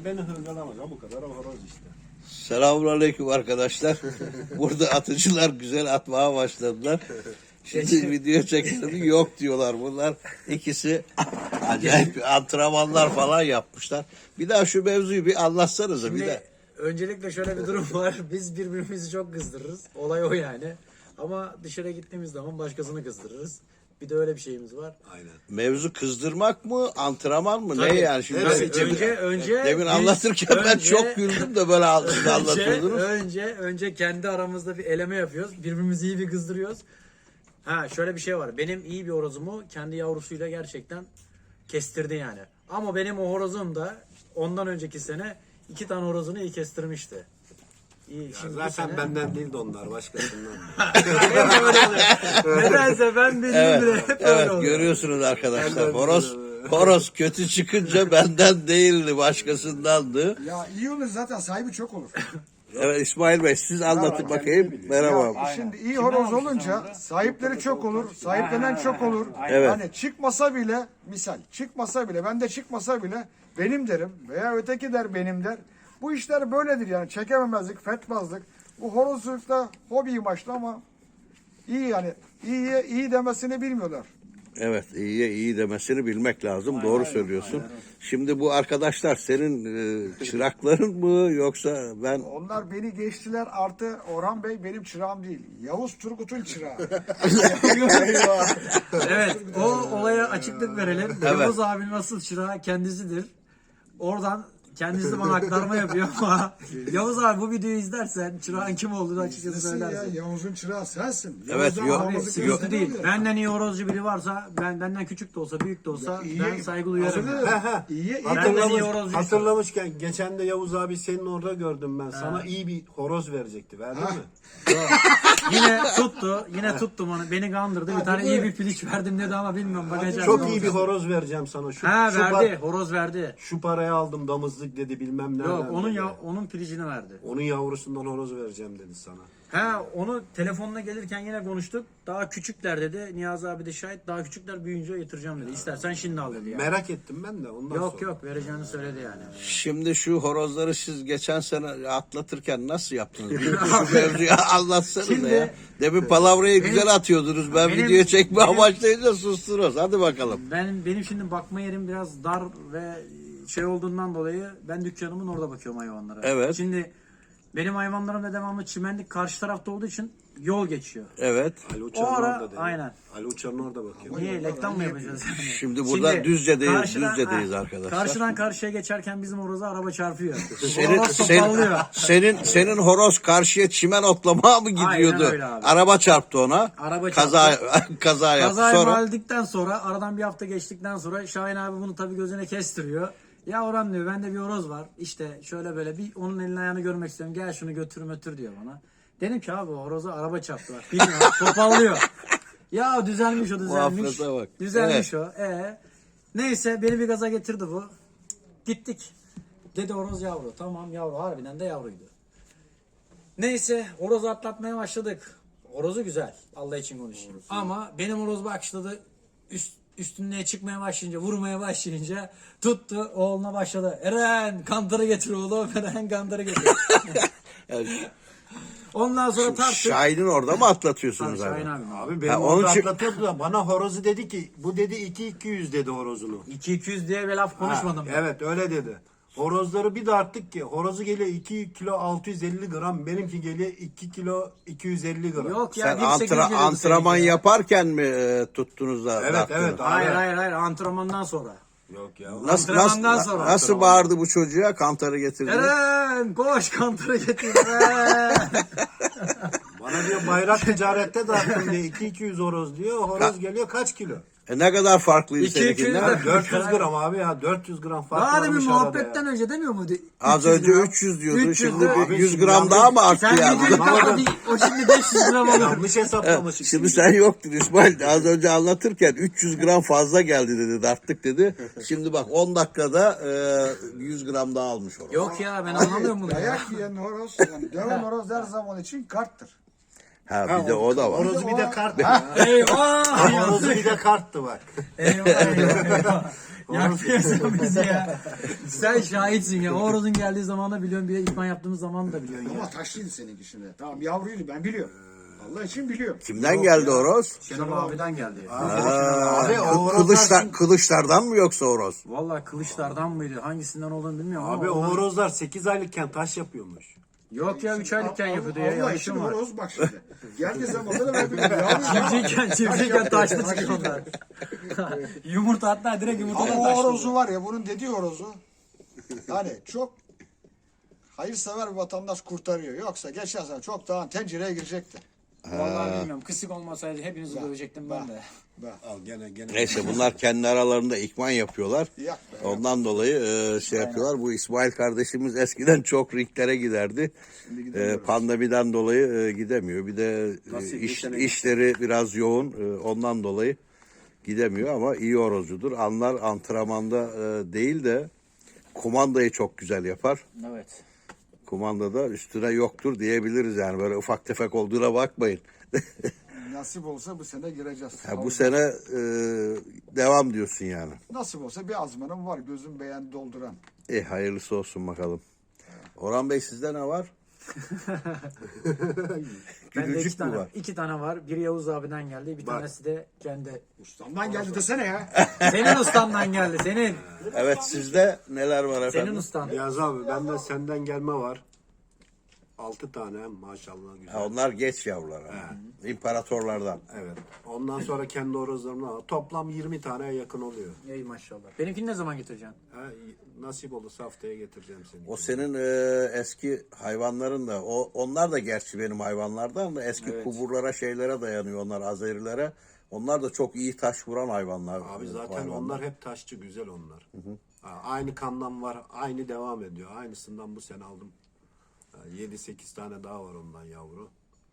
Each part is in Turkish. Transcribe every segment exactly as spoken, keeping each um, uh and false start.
beni hırgalamaz. Ha bu kadar horoz işte. Selamünaleyküm arkadaşlar. Burada atıcılar güzel atmaya başladılar. Şimdi video çekelim yok diyorlar bunlar. İkisi acayip antrenmanlar falan yapmışlar. Bir daha şu mevzuyu bir anlatsanıza Şimdi bir de. öncelikle şöyle bir durum var. Biz birbirimizi çok kızdırırız. Olay o yani. Ama dışarı gittiğimiz zaman başkasını kızdırırız. Bir de öyle bir şeyimiz var. Aynen. Mevzu kızdırmak mı, antrenman mı? Ne Tabii. yani? Şimdi Evet, ben- önce önce demin biz- anlatırken ben önce- çok güldüm de böyle önce, anlatıyordunuz. önce önce kendi aramızda bir eleme yapıyoruz. Birbirimizi iyi bir kızdırıyoruz. Ha şöyle bir şey var. Benim iyi bir horozumu kendi yavrusuyla gerçekten kestirdi yani. Ama benim o horozum da ondan önceki sene iki tane horozunu iyi kestirmişti. İyi, şimdi bu Zaten sene- benden değil de onlar başkasından. Hep öyle oluyor. Nedense ben bildim Evet, bile hep öyle evet oluyor. görüyorsunuz arkadaşlar. Benden Horoz, değil. horoz kötü çıkınca benden değildi, başkasındandı. Ya iyi olur zaten sahibi çok olur. Evet İsmail Bey siz anlatın kendini bakayım. biliyor. Merhaba. Ya, şimdi iyi horoz olunca sahipleri çok olur, sahiplenen çok olur. Evet. Hani çıkmasa bile, misal çıkmasa bile, ben de çıkmasa bile benim derim veya öteki der benim der. Bu işler böyledir yani çekememezlik, fetmazlık. Bu horozlukta hobi maçlı ama iyi yani iyiye iyi demesini bilmiyorlar. Evet iyiye iyi demesini bilmek lazım. Doğru söylüyorsun. Şimdi bu arkadaşlar senin e, çırakların mı yoksa ben Onlar beni geçtiler artı Orhan Bey benim çırağım değil. Yavuz Turgut'un çırağı. Evet, o olaya açıklık verelim. Evet. Yavuz abinin asıl çırağı kendisidir. Oradan kendisi de bana aktarma yapıyor ama Yavuz abi bu videoyu izlersen çırağın kim olduğunu açıkçası Nasıl ya söylersin. Yavuz'un çırağı sensin. Evet, Yavuz'dan yok. Abi aramızı sıkıntı kestin değil. oluyor. Benden iyi horozcu biri varsa, ben benden küçük de olsa, büyük de olsa Ya iyi- ben saygı duyarım. Hazır yani. mı? İyi, iyi. Benden iyi Hatırlamış, horozcuysa. hatırlamışken geçen de Yavuz abi senin orada gördüm ben. Sana iyi bir horoz verecekti. Verdin mi? Yine tuttu, yine tuttum onu. Beni kandırdı. Bir tane iyi bir piliç verdim dedi ama bilmiyorum bakacağım. Çok iyi bir horoz vereceğim sana. Şu, Ha şu, verdi, par- horoz verdi. şu paraya aldım damızlık dedi bilmem nereden. Yok onun dedi. ya onun pilicini verdi. Onun yavrusundan horoz vereceğim dedi sana. Ha onu telefonla gelirken yine konuştuk. Daha küçükler dedi. Niyazi abi de şahit. Daha küçükler büyüyünce getireceğim dedi. İstersen şimdi al dedi yani. Merak ettim ben de ondan Yok sonra. yok vereceğini söyledi yani. şimdi şu horozları siz geçen sene atlatırken nasıl yaptınız? Bir şu mevzuyu anlatsanıza Şimdi- ya. Demin palavrayı Benim- güzel atıyordunuz. Ben benim- video çekme benim- amaçlayınca sustunuz. Hadi bakalım. Ben benim şimdi bakma yerim biraz dar ve şey olduğundan dolayı ben dükkanımın orada bakıyorum hayvanlara. Evet. Şimdi benim hayvanlarım da devamlı çimenlik karşı tarafta olduğu için yol geçiyor. Evet. Ali O Uçar'ın ara orada dedi. aynen. Ali Uçar'ın orada bakıyor. Niye reklam mı yapacağız? Yani? Şimdi burada Düzce'deyiz, Düzce'deyiz ha, arkadaşlar. Karşıdan karşıya geçerken bizim horoza araba çarpıyor. Senin, Horoz senin, topallıyor. senin, senin horoz karşıya çimen otlamaya mı gidiyordu? Aynen öyle abi. Araba çarptı ona. Araba kaza, kaza yaptı. Kazayı Sonra mahalledikten sonra aradan bir hafta geçtikten sonra Şahin abi bunu tabii gözüne kestiriyor. Ya Orhan diyor bende bir horoz var. İşte şöyle böyle bir onun elini ayağını görmek istiyorum. Gel şunu götür götür diyor bana. Dedim ki abi o horoza araba çarptı bak. Bilmiyorum topallıyor. Ya düzelmiş o düzelmiş. Muhafıza bak. Düzelmiş o. Ee, neyse beni bir gaza getirdi bu. Gittik. Dedi horoz yavru. Tamam yavru harbiden de yavruydu. Neyse horozu atlatmaya başladık. Horozu güzel. Allah için konuşayım. Ama benim horoz başladı. Üst, üstüne çıkmaya başlayınca, vurmaya başlayınca tuttu. Oğluna başladı. Eren kantarı getir oğlum. Eren kantarı getir. yani, Ondan sonra tarttık. Şahin'in orada mı atlatıyorsunuz Şahin abi? abi. Abi benim Ha, onun orada için- atlatıyordu da bana horozu dedi ki bu dedi iki iki yüz dedi horozunu. iki iki yüz diye bir laf konuşmadım. Ha, ben. evet öyle dedi. Horozları bir de arttık ki horozu geliyor iki kilo altı yüz elli gram benimki geliyor iki kilo iki yüz elli gram. Yok ya. Sen bir sekiz antra, geliyordu antrenman seninki ya. yaparken mi e, tuttunuz da? Evet, darttınız? evet. Hayır hayır hayır antrenmandan sonra. Yok ya. Nasıl, Antrenmandan nasıl, sonra. nasıl bağırdı bu çocuğa? Kantarı getirdi. Eren koş kantarı getir. Eren. Bana diyor bayrak ticarette dağıttım diye iki iki yüz horoz diyor. Horoz geliyor kaç kilo? E ne kadar farklıydı İki, iki yüz seninkinden? de- dört yüz gram abi ya dört yüz gram fark Daha demin varmış arada muhabbetten ya. önce demiyor muydu? Az üç yüz önce gram. üç yüz diyordu. üç yüz Şimdi de- bir Abi yüz şimdi gram yanlış- daha mı arttı Sen ya? videoyu Bana da- kapat. O şimdi beş yüz gram olur. Yanlış hesaplamışık. Şimdi sen yoktun İsmail. Az önce anlatırken üç yüz gram fazla geldi dedi. Darttık dedi. Şimdi bak on dakikada e, yüz gram daha almış orada. Yok ya ben anlamıyorum bunu ya. Dayak yiyen horoz, yani döven horoz her zaman için karttır. Ha bir de o da var. Horozu bir de kart. Eyvah! Horozu bir de karttı bak. Eyvah eyvah eyvah. Yakıyorsun bizi ya. Sen şahitsin ya. O horozun geldiği zaman da biliyorsun. Bir de ikman yaptığımız zaman da biliyorsun ya. Ama taşlıydı seninki şimdi. Tamam yavruydu ben biliyorum. Allah için biliyorum. Kimden geldi horoz? Şenol abiden geldi. Abi o Kı- horozlar Kılıçlar, şimdi- kılıçlardan mı yoksa horoz? Vallahi kılıçlardan mıydı? Hangisinden olduğunu bilmiyorum Abi ama. o ondan- horozlar sekiz aylıkken taş yapıyormuş. Yok ya üç aylıkken yapıyordu ya. Allah için Yanlışım var. horoz bak şimdi. Geldiği zaman da ben biliyorum. Yavru- Çiftçiyken, çiftçiyken taşlı çıkıyor onlar. Yumurta hatta direkt yumurtadan Ama o taşlı. horozu var ya bunun dediği horozu. Yani çok hayırsever bir vatandaş kurtarıyor. Yoksa geçen sene çoktan tencereye girecekti. Vallahi bilmiyorum. Kısık olmasaydı hepinizi dövecektim ben de. Al gene gene. Neyse bunlar kendi aralarında ikman yapıyorlar. Yak be. Ondan dolayı e, şey yapıyorlar. Bu İsmail kardeşimiz eskiden çok ringlere giderdi. E, pandemiden dolayı e, gidemiyor. Bir de e, Nasıl, iş, geçene- işleri biraz yoğun. E, ondan dolayı gidemiyor ama iyi horozcudur. Anlar antrenmanda e, değil de kumandayı çok güzel yapar. Evet. Kumandada üstüne yoktur diyebiliriz yani. Böyle ufak tefek olduğuna bakmayın. Nasip olsa bu sene gireceğiz. Ha, bu sene e, devam diyorsun yani. Nasip olsa bir azmanım var gözüm beğen dolduran. E hayırlısı olsun bakalım. Orhan Bey sizde ne var? Bende iki Gülücük mü tane, var? iki tane var. Biri Yavuz abiden geldi. Bir Bak. tanesi de kendi. Ustamdan geldi desene ya. Senin ustandan geldi. Senin. Evet sizde neler var efendim? Senin ustan. Yaz abi bende senden gelme var. Altı tane maşallah güzel. Ha, onlar geç yavrular. Ha. İmparatorlardan. Evet. Ondan sonra kendi horozlarımla toplam yirmi taneye yakın oluyor. Ey maşallah. Benimkini ne zaman getireceksin? Ha, nasip olursa haftaya getireceğim seni. O senin e, eski hayvanların da, o onlar da gerçi benim hayvanlardan da eski Evet. kuburlara şeylere dayanıyor onlar Azerilere. Onlar da çok iyi taş vuran hayvanlar. Abi e, zaten hayvanlar. onlar hep taşçı güzel onlar. Ha, aynı kandan var, aynı devam ediyor. Aynısından bu sene aldım. yedi sekiz tane daha var ondan yavru.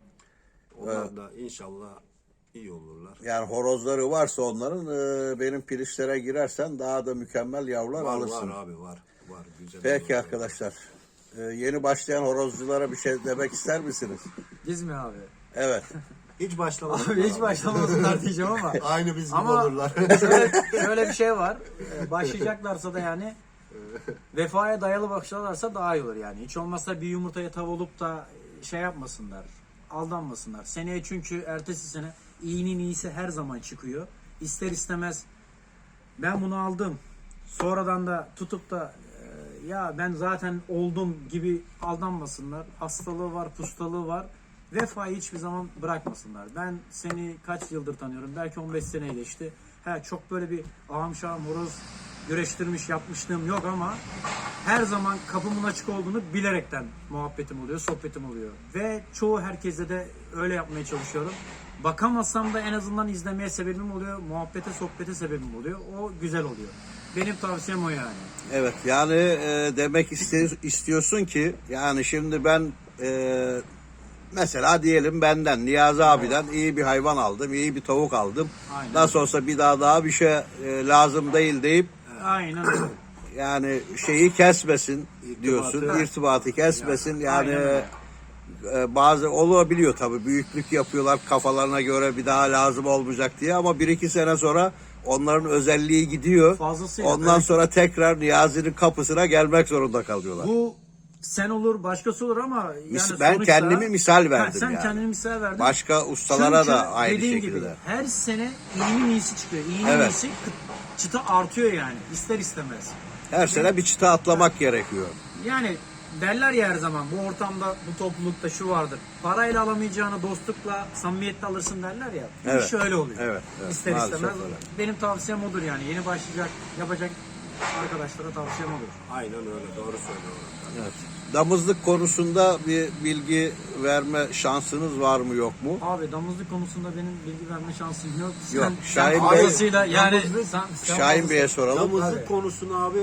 Onlar da inşallah iyi olurlar. Yani horozları varsa onların e, benim pilişlere girersen daha da mükemmel yavrular Var alırsın. var abi var. Var güzel. Peki horozlar. arkadaşlar. e, yeni başlayan horozculara bir şey demek ister misiniz? Biz mi abi? Evet. Hiç başlamadık. Abi hiç başlamasınlar diyeceğim ama. Aynı biz gibi Ama olurlar. şöyle, şöyle bir şey var. Ee, Başlayacaklarsa da yani vefaya dayalı başlarlarsa daha iyi olur yani. Hiç olmazsa bir yumurtaya tav olup da şey yapmasınlar. Aldanmasınlar. Seneye çünkü ertesi sene iyinin iyisi her zaman çıkıyor. İster istemez ben bunu aldım. Sonradan da tutup da e, ya ben zaten oldum gibi aldanmasınlar. Hastalığı var, pustalığı var. Vefayı hiçbir zaman bırakmasınlar. Ben seni kaç yıldır tanıyorum. Belki on beş seneye geçti. He, çok böyle bir ağam şahım horoz güreştirmiş yapmışlığım yok ama her zaman kapımın açık olduğunu bilerekten muhabbetim oluyor, sohbetim oluyor. Ve çoğu herkese de öyle yapmaya çalışıyorum. Bakamasam da en azından izlemeye sebebim oluyor. Muhabbete, sohbete sebebim oluyor. O güzel oluyor. Benim tavsiyem o yani. Evet yani e, demek iste- istiyorsun ki yani şimdi ben e, mesela diyelim benden Niyazi abiden iyi bir hayvan aldım, iyi bir tavuk aldım. Aynen. Nasıl olsa bir daha daha bir şey e, lazım değil deyip Aynen öyle. yani şeyi kesmesin diyorsun, İrtibatı. irtibatı kesmesin yani. Aynen öyle. e, bazı olabiliyor tabii büyüklük yapıyorlar kafalarına göre bir daha lazım olmayacak diye ama bir iki sene sonra onların özelliği gidiyor. Fazlasıyla. Ondan Evet. sonra tekrar Niyazi'nin kapısına gelmek zorunda kalıyorlar. Bu sen olur, başkası olur ama yani Mis- ben sonuçta- kendimi misal verdim Ha, sen yani. kendini misal verdin. Başka ustalara Çünkü da aynı dediğin şekilde. gibi her sene iyinin iyisi çıkıyor. İyinin Evet. iyisi çıta artıyor yani ister istemez. Her sene bir çıta atlamak gerekiyor. Yani derler ya her zaman bu ortamda, bu toplulukta şu vardır. Parayla alamayacağını dostlukla, samimiyetle alırsın derler ya. Bu Evet. iş öyle oluyor. Evet, evet. İster Maalesef istemez. öyle. Benim tavsiyem odur yani. Yeni başlayacak, yapacak arkadaşlara tavsiyem odur. Aynen öyle doğru söylüyor. Evet. Damızlık konusunda bir bilgi verme şansınız var mı yok mu? Abi damızlık konusunda benim bilgi verme şansım yok. Sen, Yok, sen Şahin Bey- fazlasıyla yani Damızlık- sen, sen Şahin fazlası- Bey'e soralım. Damızlık Tabii. konusunu abi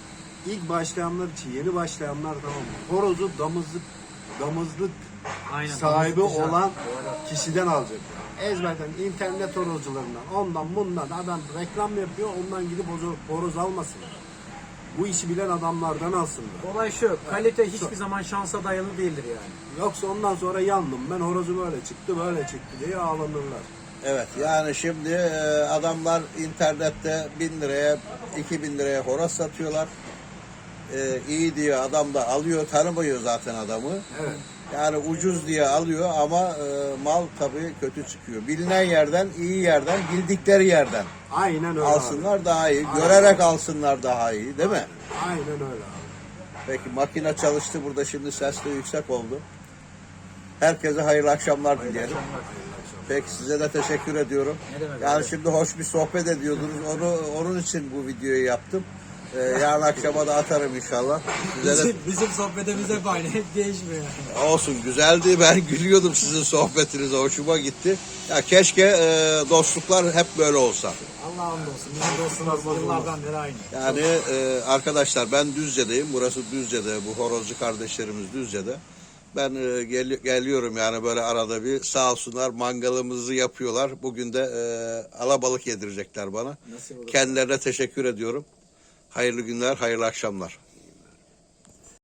ilk başlayanlar için, yeni başlayanlar tamam mı? Horozu damızlık damızlık Aynen, sahibi damızlık güzel. olan kişiden alacak. Ezberden internet horozcularından, ondan bundan adam reklam yapıyor, ondan gidip horoz, horoz almasın. Bu işi bilen adamlardan alsınlar. Olay şu, kalite hiçbir zaman şansa dayalı değildir yani. Yoksa ondan sonra yandım. Ben horozu böyle çıktı, böyle çıktı diye ağlanırlar. Evet, yani şimdi e, adamlar internette bin liraya, iki bin liraya horoz satıyorlar. E, iyi diye adam da alıyor, tanımıyor zaten adamı. Evet. Yani ucuz diye alıyor ama e, mal tabii kötü çıkıyor. Bilinen yerden, iyi yerden, bildikleri yerden Aynen öyle alsınlar abi. daha iyi. Aynen. Görerek alsınlar daha iyi, değil mi? Aynen öyle abi. Peki makine çalıştı burada, şimdi ses de yüksek oldu. Herkese hayırlı akşamlar dileyelim. Peki size de teşekkür ediyorum. Ne demek Yani abi? şimdi hoş bir sohbet ediyordunuz. Onu onun için bu videoyu yaptım. Ee, yarın akşama da atarım inşallah. Size de Bizim, bizim sohbetimiz hep aynı, hep değişmiyor. olsun, güzeldi. Ben gülüyordum sizin sohbetinize. Hoşuma gitti. Ya keşke e, dostluklar hep böyle olsa. Allah'a hamdolsun. Bizim dostumuz yıllardan beri aynı. Yani e, arkadaşlar ben Düzce'deyim. Burası Düzce'de. Bu horozcu kardeşlerimiz Düzce'de. Ben e, gel- geliyorum yani böyle arada bir, sağ olsunlar mangalımızı yapıyorlar. Bugün de e, alabalık yedirecekler bana. Nasip olur. Kendilerine teşekkür ediyorum. Hayırlı günler, hayırlı akşamlar.